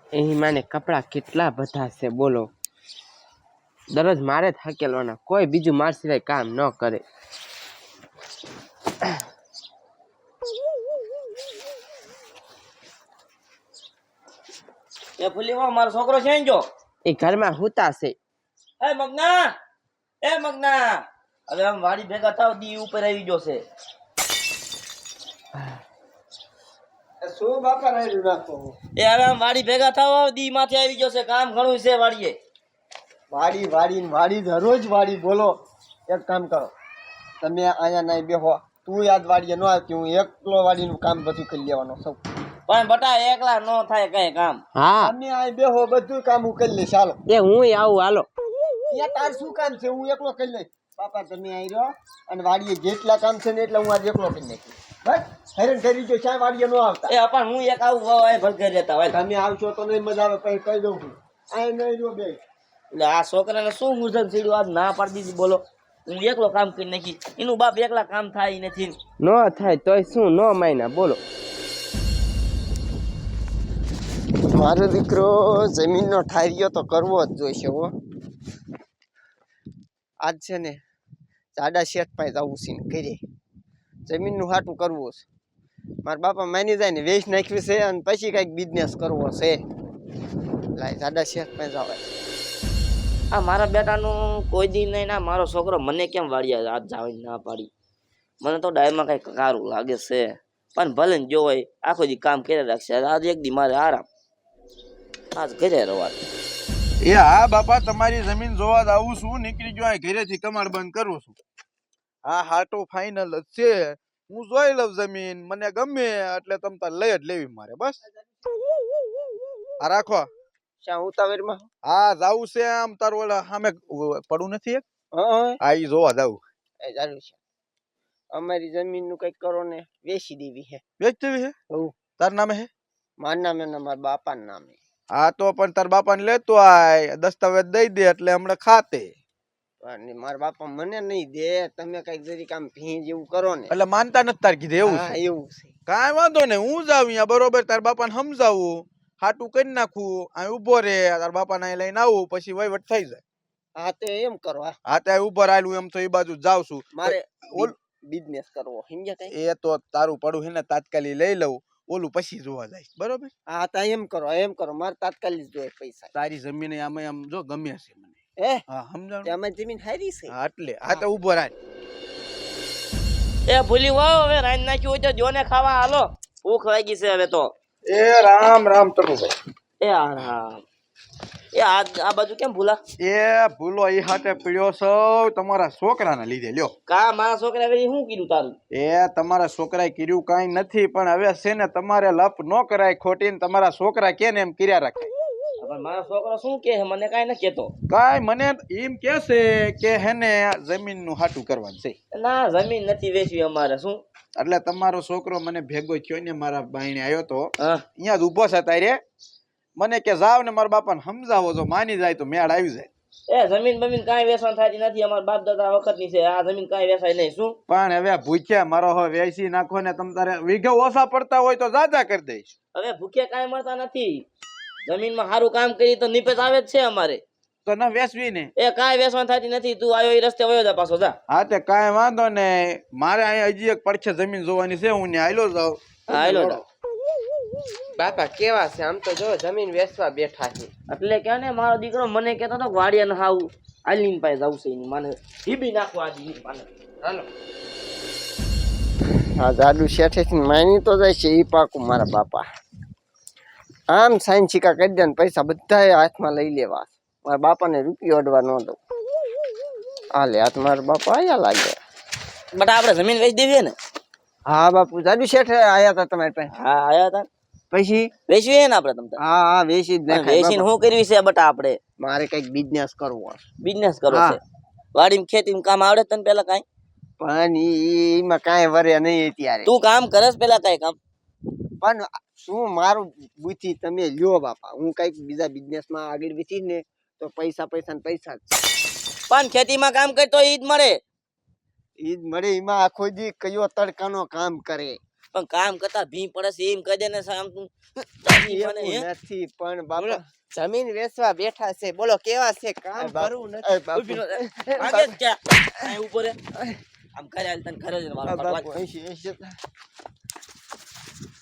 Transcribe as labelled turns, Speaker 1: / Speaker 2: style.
Speaker 1: એની માને કપડાં કેટલા બધા છે બોલો. દરરોજ મારે જ હકેલવાના, કોઈ બીજું માર સિવાય કામ ન કરે.
Speaker 2: એ ફૂલીમાં મારો છોકરો છે જો
Speaker 1: એ ઘરમાં હુતા છે.
Speaker 2: એ મગના હવે આમ વાડી ભેગા થાવ દી ઉપર આવી ગયો છે.
Speaker 3: શું બાપા રાયડું નાખો?
Speaker 2: એ હવે આમ વાડી ભેગા થાવ દી માથે આવી ગયો છે, કામ ઘણું છે વાડીએ.
Speaker 3: વાડી દરરોજ વાડી બોલો. એક કામ કરો, તમે અહીંયા નહીં બેહો, તું યાદ વાડીએ ન આવતી, હું એકલો વાડીનું કામ બધું કરી લેવાનો સૌ.
Speaker 2: પણ બટા એકલા નો થાય કઈ કામ.
Speaker 1: હા
Speaker 3: તમે અહીં બેહો, બધું કામ હું કરી લઈશ. ચાલો
Speaker 1: એ હું આવું હાલો.
Speaker 3: ત્યાં તાર શું કામ છે? હું એકલો કરી લઈશ. બાપા તમે અહીં રહો અને વાડીએ જેટલા કામ છે ને એટલે હું આજે એકલો કરી નાખીશ. બસ હેરાન કરી જો, ચાય વાડીએ ન આવતા.
Speaker 2: એ પણ હું એક આવું વાવ ભલકે રહેતા હોય.
Speaker 3: તમે આવશો તો નહીં મજા આવે, પછી કહી દઉં છું. અહીં નહીં રહ્યો બે.
Speaker 2: એટલે આ છોકરાને શું મૂર્ધન સીડ્યું, આજ ના પાડી દીધી બોલો. હું એકલો કામ કરી નાખી, એનું બાપ એકલા કામ થાય નથી.
Speaker 1: ન થાય તોય શું, ન માયના બોલો.
Speaker 3: મારો દીકરો જમીનનો ઠારિયો તો કરવો જ જોઈશે હો. આજ છે ને જાડા શેઠ પાસે જવું છે ને ઘરે જમીનનું હાટું કરવું છે. મારા બાપા માની જાય ને વેચ નાખ્યું છે અને પછી કંઈક બિઝનેસ કરવો છે. લાય જાડા શેઠ પાસે જવાય.
Speaker 2: આ મારા બેટાનું કોઈ દી નહીં ના, મારો છોકરો મને કેમ વાળ્યા આજ જવાની ના પાડી. મને તો ડાયમાં કઈ કારું લાગે છે, પણ ભલે ને જો હોય આખો દી કામ કરે રાખશે. આજ એક દી મારે આરામ, આજ ઘરે રવા.
Speaker 4: એ હા બાપા, તમારી જમીન જોવા જ આવું છું. નીકળી ગયો અહીં ઘરેથી, કમાડ બંધ કરું છું. હા હાટો ફાઇનલ જ છે. હું જોઈ લઉં જમીન, મને ગમે એટલે તમ તાર લઈ જ લેવી મારે. બસ આ રાખો.
Speaker 3: શા ઉતાવળમાં?
Speaker 4: હા જાવું છે. આમ તારું ઓલા સામે પડું નથી એક,
Speaker 3: હા
Speaker 4: આ ઈ જોવા જાવું.
Speaker 3: એ ચાલુ છે. અમારી જમીનનું કંઈક કરો ને, વેચી દેવી છે.
Speaker 4: વેચવી હે?
Speaker 3: હવ.
Speaker 4: તાર નામે હે?
Speaker 3: મારા નામે ને મારા બાપાના નામે.
Speaker 4: હા તો પણ તાર બાપાને લેતો આય, દસ્તાવેજ દઈ દે એટલે હમણાં ખાતે.
Speaker 3: અને મારા બાપા મને નહીં દે. તમે કઈક જરીક આમ ભી જેવું કરો ને
Speaker 4: એટલે માનતા નથી તાર કીધે એવું
Speaker 3: હા
Speaker 4: છે?
Speaker 3: એવું છે.
Speaker 4: કાંઈ વાંધો નહીં, હું જાઉં અહીંયા બરોબર. તાર બાપાને સમજાવું, હાટું કરી નાખું, અહીં ઉભો રે, તાર બાપાને અહીં લઈને આવું, પછી વહીવટ થઈ જાય.
Speaker 3: હા તે એમ કરો.
Speaker 4: હા ત્યાં ઉભો રાયલું એમ તો એ બાજુ જાઉં છું.
Speaker 3: મારે
Speaker 4: ઓલ
Speaker 3: બિઝનેસ કરવો સમજ્યા કઈ?
Speaker 4: એ તો તારું પડું છે ને તાત્કાલિક લઈ લઉં, ઓલું પછી જોવા જાય બરોબર.
Speaker 3: હા તા એમ કરો મારે તાત્કાલિક જોઈએ પૈસા.
Speaker 4: તારી જમીન આમે આમ જો ગમે છે મને. હા સમજાણું.
Speaker 3: અમારી જમીન હારી છે.
Speaker 4: હા એટલે હા તો ઉભો રાય.
Speaker 2: એ ભૂલી વાવ, હવે રાઈન નાખ્યું હોય તો જોને ખાવા હાલો, ભૂખ લાગી છે હવે તો.
Speaker 4: એ રામ રામ તરુભાઈ.
Speaker 2: એ આરામ. એ આ બાજુ કેમ ભૂલા?
Speaker 4: એ ભૂલો એ હાથે પીડ્યો છો તમારા છોકરાને લીધે. લ્યો
Speaker 2: કા મારા છોકરા હવે શું કીધું તારું?
Speaker 4: એ તમારા છોકરાએ કર્યું કાંઈ નથી, પણ હવે છે ને તમારે લપ ન કરાય ખોટી ને. તમારા છોકરા કે ને એમ કર્યા રાખે.
Speaker 2: પણ મારો છોકરો શું કે મને કાઈ ન કેતો.
Speaker 4: કાંઈ મને એમ કે છે કે હેને જમીન નું હાટું કરવાનું છે.
Speaker 2: ના જમીન નથી વેચવી અમારે. શું
Speaker 4: એટલે તમારો છોકરો મને ભેગો થયો ને, મારા ભાઈને આવ્યો તો
Speaker 2: હા
Speaker 4: અહીંયા જ ઉભો છે તારે. મને કે જાવ ને મારા બાપાને સમજાવો, જો માની જાય તો મેળ આવી જાય.
Speaker 2: એ જમીન બમીન કાંઈ વેચવાનું થતી નથી, અમારા બાપ દાદા વખત ની છે. આ જમીન કાંઈ વેચાય નહીં. શું
Speaker 4: પણ હવે ભૂખ્યા મારો હવે વેચી નાખો ને, તમ તારે વીઘે ઓછા પડતા હોય તો જાજા કરી દઈશ.
Speaker 2: હવે ભૂખ્યા કાંઈ મળતા નથી. જમીનમાં સારું કામ કરી તો નિપજ આવે જ છે અમારે.
Speaker 4: તો ના વેચવી ને.
Speaker 2: એ કાંઈ વેચવાનું થતી નથી. તું આવ્યો એ રસ્તે વયો જા પાછો જા.
Speaker 4: હા તે કાંઈ વાંધો ને, મારે અહીંયા હજી એક પડખે જમીન જોવાની છે, હું ને હાલો જાઉં.
Speaker 2: હા હાલો જા.
Speaker 1: બાપા કેવા છે આમ તો, જો જમીન વેચવા બેઠા છે.
Speaker 2: એટલે કે ને મારો દીકરો મને કહેતો હતો વાડિયા ને હાવ આલીન પાસે જવું છે એની માને હીબી નાખવા દી માને.
Speaker 1: હાલો
Speaker 3: હા જાડુ શેઠે માની તો જાય છે એ પાકું. મારા બાપા આમ સાઈન સિક્કા કરી દે ને પૈસા બધા હાથમાં લઈ લેવા. મારા બાપાને રૂપિયો અડવા ન દઉં. હાલે હાથ મારા બાપા આયા લાગે.
Speaker 2: બટ આપણે જમીન વેચી દેવી ને?
Speaker 3: હા બાપુ જાડુ શેઠ આયા હતા તમારી પાસે.
Speaker 2: હા આયા હતા.
Speaker 3: પછી
Speaker 2: વેચવી હે ને આપણે તમ તાર?
Speaker 3: હા હા વેચી જ નાખાય.
Speaker 2: વેચીને શું કરવી છે બટા આપણે?
Speaker 3: મારે કઈક બિઝનેસ કરવો.
Speaker 2: બિઝનેસ કરો
Speaker 3: હા.
Speaker 2: છે? વાડીમાં ખેતીમાં કામ આવડે તને પેલા કાંઈ?
Speaker 3: પણ એમાં કાંઈ વરે નહીં અત્યારે.
Speaker 2: તું કામ કરસ પેલા કાંઈ કામ?
Speaker 3: પણ શું મારું બુદ્ધિ તમે લ્યો બાપા. હું કઈક બીજા બિઝનેસમાં આગળ વેચીશ ને તો પૈસા પૈસા ને પૈસા જ.
Speaker 2: પણ ખેતીમાં કામ કર તો ઈ જ મળે.
Speaker 3: ઈ જ મળે. એમાં આખો દી કયો તડકાનો કામ કરે.
Speaker 2: પણ કામ કરતા ભી પડે છે એમ કહી દે ને આમ તું
Speaker 3: એવું નથી પણ બાપા
Speaker 1: જમીન વેચવા બેઠા છે બોલો કેવા છે કામ કરવું
Speaker 3: એ
Speaker 1: નથી
Speaker 3: બાપુ,
Speaker 2: ઊભી નો થાય. આગે જ ક્યાં? અહીં ઊભો રહે. આમ કરે હાલ તને ખરે જ મારો
Speaker 3: બાપુ,
Speaker 2: પગલા.
Speaker 3: 80.